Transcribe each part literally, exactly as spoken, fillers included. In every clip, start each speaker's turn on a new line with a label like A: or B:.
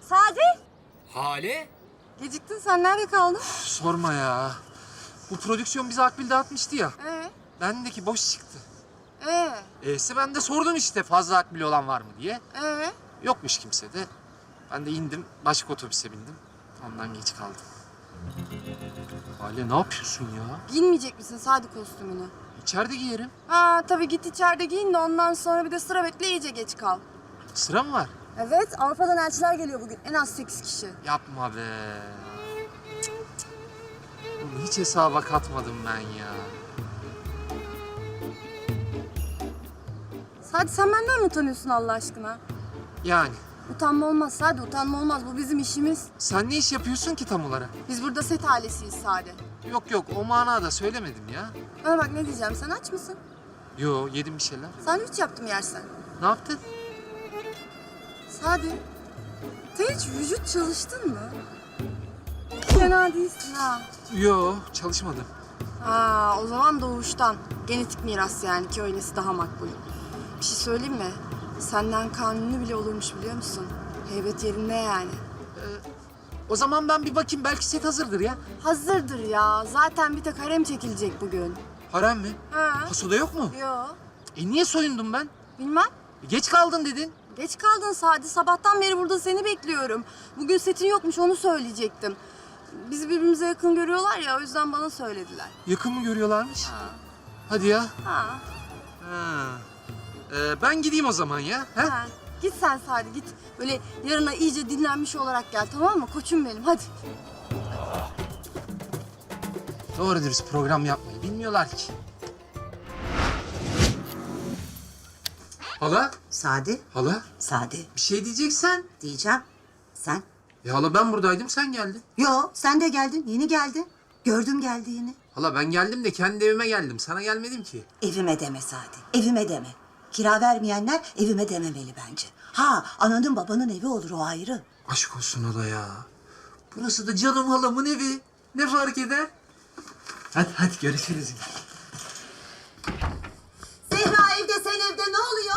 A: Sadi.
B: Hale?
A: Geciktin sen, nerede kaldın?
C: Sorma ya. Bu prodüksiyon bize akbil dağıtmıştı ya.
A: Ee,
C: Bendeki boş çıktı.
A: ee,
C: E'si ben de sordum işte fazla akbil olan var mı diye.
A: ee.
C: Yokmuş kimse de. Ben de indim, başka otobüse bindim. Ondan geç kaldım. Hale ne yapıyorsun ya?
A: Giyinmeyecek misin Sadi kostümünü?
C: İçeride giyerim.
A: Ha tabii, git içeride giyin de ondan sonra bir de sıra bekle, iyice geç kal.
C: Sıra mı var?
A: Evet, Avrupa'dan elçiler geliyor bugün. En az sekiz kişi.
C: Yapma be. Cık, cık, cık. Oğlum hiç hesaba katmadım ben ya.
A: Sadi sen benden mi utanıyorsun Allah aşkına?
C: Yani
A: Utanma olmaz Sadi, utanma olmaz. Bu bizim işimiz.
C: sen ne iş yapıyorsun ki tam olarak?
A: Biz burada set ailesiyiz Sadi.
C: Yok yok o manada söylemedim ya.
A: Bana bak, ne diyeceğim, sen aç mısın?
C: Yo yedim bir şeyler.
A: Sandviç yaptım, yersen.
C: Ne yaptın?
A: Sadi, sen hiç vücut çalıştın mı? Fena değilsin ha.
C: Yo çalışmadım.
A: Ha, o zaman doğuştan. Genetik miras yani, ki öylesi daha makbul. Bir şey söyleyeyim mi? Senden kanuni bile olurmuş, biliyor musun? Heybet yerinde yani.
C: O zaman ben bir bakayım belki set hazırdır ya.
A: Hazırdır ya. Zaten bir tek harem çekilecek bugün.
C: Harem mi?
A: Ha?
C: Pasoda yok mu?
A: Yo.
C: E niye soyundum ben?
A: Bilmem.
C: E, geç kaldın dedin.
A: Geç kaldın Sadi. Sabahtan beri burada seni bekliyorum. Bugün setin yokmuş, onu söyleyecektim. Bizi birbirimize yakın görüyorlar ya, o yüzden bana söylediler.
C: Yakın mı görüyorlarmış? Hadi ya.
A: Ha.
C: Ha. Ee, ben gideyim o zaman ya. Ha?
A: Ha. Git sen Sadi, git. Böyle yarına iyice dinlenmiş olarak gel, tamam mı? Koçum benim, hadi.
C: Doğru dürüst program yapmayı bilmiyorlar ki. Hala?
D: Sadi,
C: Hala?
D: Sadi
C: Bir şey diyeceksen.
D: diyeceğim. Sen?
C: Ya hala ben buradaydım sen geldin.
D: Yo, sen de geldin, yeni geldin. Gördüm geldiğini.
C: Hala ben geldim de kendi evime geldim. Sana gelmedim ki.
D: Evime deme Sadi, evime deme. Kira vermeyenler evime dememeli bence. Ha, ananın babanın evi olur, o ayrı.
C: Aşk olsun hala ya. Burası da canım halamın evi. Ne fark eder? Hadi hadi görüşürüz.
D: Zehra evde, sen evde, ne oluyor?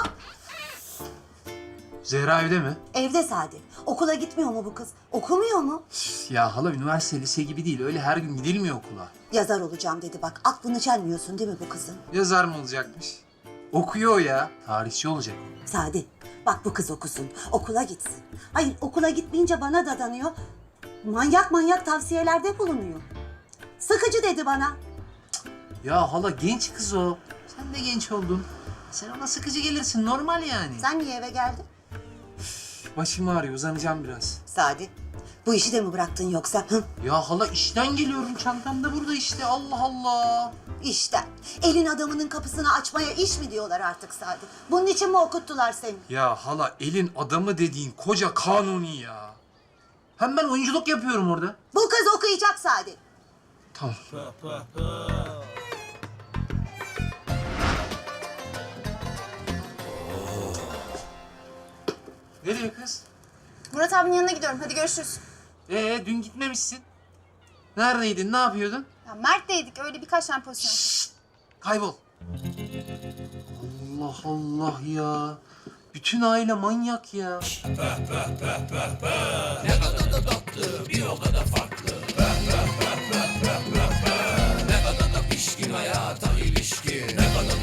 C: Zehra evde mi?
D: Evde Sadi. Okula gitmiyor mu bu kız? Okumuyor mu?
C: Ya hala üniversite lise gibi değil. Öyle her gün gidilmiyor okula.
D: Yazar olacağım dedi bak. Aklını çelmiyorsun değil mi bu kızın?
C: Yazar mı olacakmış? Okuyor o ya. Tarihçi olacak.
D: Sadi, bak bu kız okusun, okula gitsin. Hayır, okula gitmeyince bana dadanıyor. Manyak manyak tavsiyelerde bulunuyor. Sıkıcı dedi bana.
C: Ya hala genç kız o. Sen de genç oldun. Sen ona sıkıcı gelirsin. Normal yani.
D: Sen niye eve geldin?
C: Başım ağrıyor. Uzanacağım biraz.
D: Sadi, bu işi de mi bıraktın yoksa? Hı?
C: Ya hala işten geliyorum. Çantam da burada işte. Allah Allah.
D: İşte, elin adamının kapısını açmaya iş mi diyorlar artık Sadi? Bunun için mi okuttular seni?
C: Ya hala elin adamı dediğin koca kanuni ya. Hem ben oyunculuk yapıyorum orada.
D: Bu kız okuyacak Sadi.
C: Tamam. Nereye kız?
A: Murat abinin yanına gidiyorum, hadi görüşürüz.
C: Ee dün gitmemişsin. Neredeydin? Ne yapıyordun?
A: Ya Mert'teydik, öyle birkaç tane pozisyon.
C: Kaybol. Allah Allah ya. Bütün aile manyak ya.
B: Bir o kadar farklı. Ne kadar da pişkin hayata ilişkin. Ne kadar